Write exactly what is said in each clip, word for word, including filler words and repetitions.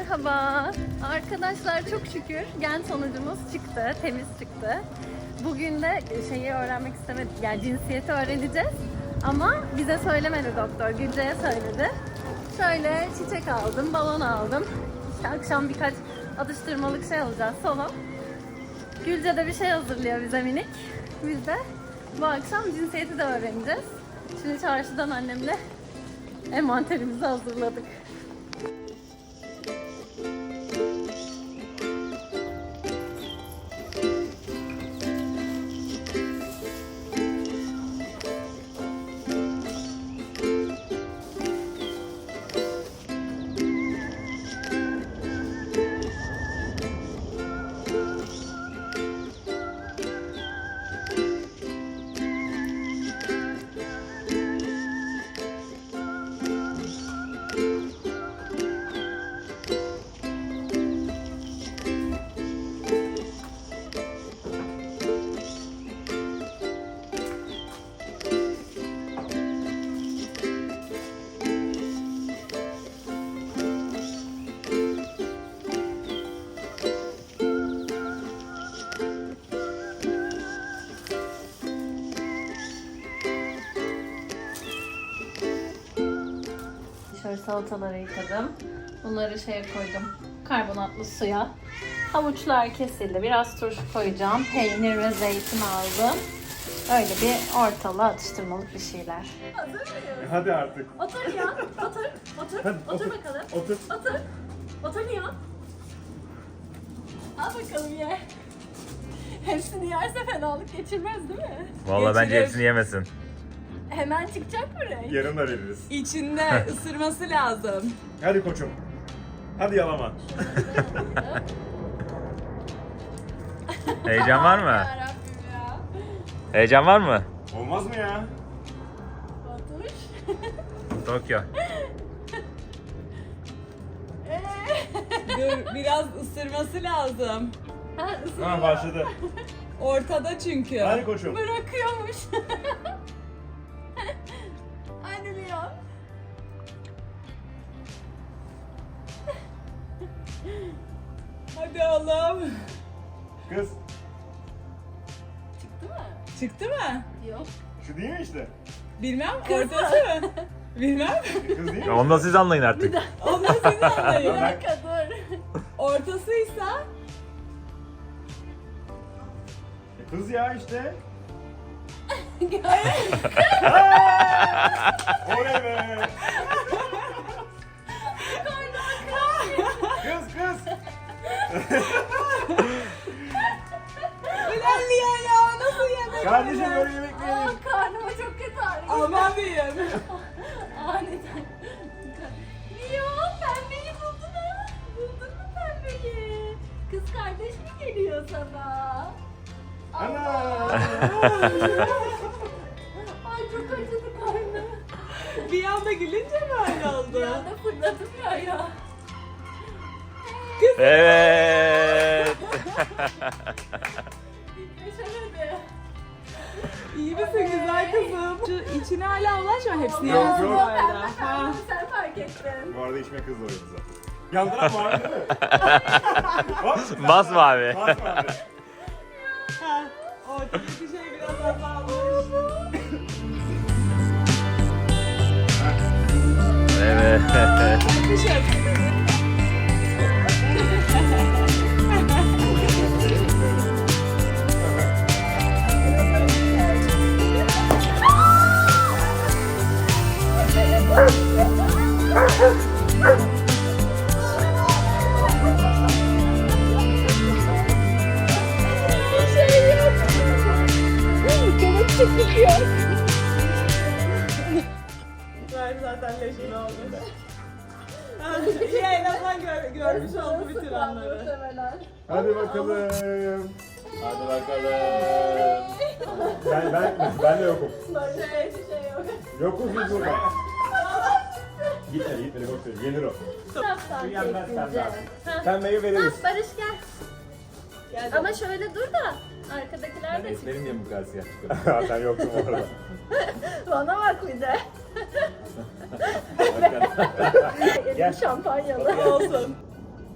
Merhaba. Arkadaşlar çok şükür gen sonucumuz çıktı. Temiz çıktı. Bugün de şeyi öğrenmek istemedik. Yani cinsiyeti öğreneceğiz. Ama bize söylemedi doktor. Gülce'ye söyledi. Şöyle çiçek aldım, balon aldım. İşte akşam birkaç atıştırmalık şey alacağız. Solo. Gülce de bir şey hazırlıyor bize minik. Biz de bu akşam cinsiyeti de öğreneceğiz. Şimdi çarşıdan annemle envanterimizi hazırladık. Şöyle salataları yıkadım. Bunları şeye koydum. Karbonatlı suya. Havuçlar kesildi. Biraz turşu koyacağım. Peynir ve zeytin aldım. Öyle bir ortalığı atıştırmalık bir şeyler. Hazır mıyız? Hadi artık. Otur ya. Otur. Otur. Hadi, otur, otur bakalım. Otur. Otur. Otur ya. Al bakalım ye. Hepsini yerse fenalık geçirmez değil mi? Vallahi bence Geçirir. hepsini yemesin. Hemen çıkacak mı renk? Yarın da veririz. İçinde ısırması lazım. Hadi koçum. Hadi yalama. Heyecan var mı? Yarabbim ya. Heyecan var mı? Olmaz mı ya? Otur. Tokyo. Dur biraz ısırması lazım. Ha, ısırıyor. Ha başladı. Ortada çünkü. Hadi koçum. Bırakıyormuş. Anne Leon. Hadi oğlum. Kız. Çıktı mı? Çıktı mı? Yok. Şu değil mi işte? Bilmem ortası mı? Bilmem. Kız değil mi? Onu da siz anlayın artık. Onu da siz Bir anlayın. dakika dur. Ortasıysa E, Kız ya işte. Oley be. Kız kız. ulan Liya ya nasıl yemek Kardeşim böyle? böyle yemek mi Aa, yenir? karnıma çok kötü ağrıyor. Aman diyeyim. Aniden. Leon pembeyi buldun ha. Buldun mu pembeyi? Kız kardeş mi geliyor sana? Ana. Ay çok acıdı karnım. Bir anda gülünce mi öyle Bir oldu? anda fırladım ya ya. Evet. Geçemedi. İyi misin güzel kızım? Şu içine hala ulaşma hepsini Yok, yemesin yok. bu arada. Pembe Ha. pembe sen fark ettin. Bu arada içme kız da oynadı zaten. Yandıran var değil mi? Hop. Bas mı abi? Bas mı abi? Ha. Ortadaki şey biraz azalmış. Evet. Kışın. Var zaten leşin oldu. İyi en azından gör, görmüş oldu bütün anları. Muhtemelen. Hadi bakalım. Hadi bakalım. Ben, ben, ben de yokum. Böyle bir şey yok. Yokuz biz burada. Gitmedi gitmedi boş ver. Yenir o. Saftan Şu yenmez çektince. pembe. Ha. Pembeyi veririz. Ha, Barış gel. Gel Ama şöyle dur da arkadakiler de çıksın. niye bu kadar siyah çıkıyor? Ha, sen yoktun orada. Bana bak bir de. Elim şampanyalı. olsun.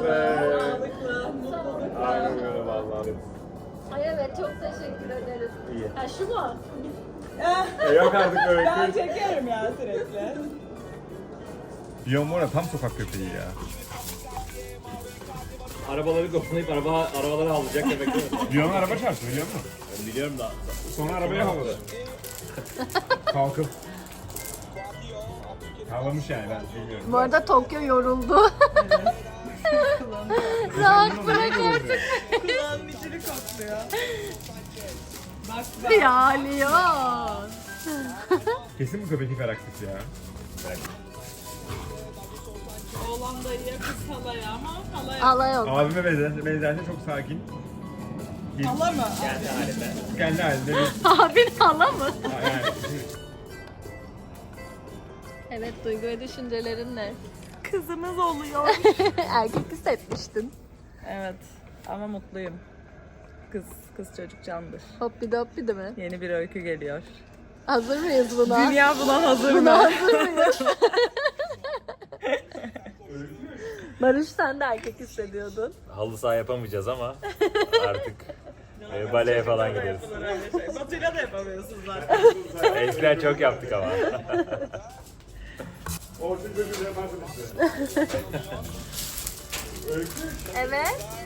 Sağlıklı, mutluluk. Aynen öyle vallahi. Ay evet çok teşekkür ederiz. İyi. Ha şu mu? E yok artık öyle. Ben çekerim ya sürekli. Diyon var ya tam sokak köpeği ya. Arabaları kovalayıp araba, arabaları havlayacak demek değil mi? Diyon'un araba çarptı biliyor musun? Ben biliyorum da. Sonra arabayı havladı. Kalkıp. Havlamış yani ben bilmiyorum. Bu arada Tokyo yoruldu. Rahat bırak artık. Kulağının içini kokluyor. Bak bak. Ya Leon. Kesin bu köpek hiperaktif ya. Oğlan dayıya kız halaya ama halaya. Allah yok. Abime benzer, benzerse çok sakin. Bir- Hala mı? Kendi halinde. Kendi halinde bir... Abin hala mı? Yani, Evet duygu ve düşüncelerin ne? Kızımız oluyor. Erkek hissetmiştin. Evet ama mutluyum. Kız kız çocuk candır. Hoppi de hoppi de mi? Yeni bir öykü geliyor. Hazır mıyız buna? Dünya buna hazır Buna mı? hazır mıyız? Barış sen de erkek hissediyordun. halı saha yapamayacağız ama artık e, baleye falan gideriz. Şey. Batıyla da yapamıyorsunuz zaten. Eskiden çok yaptık ama. Orçun çocuğu yaparsın işte. Evet.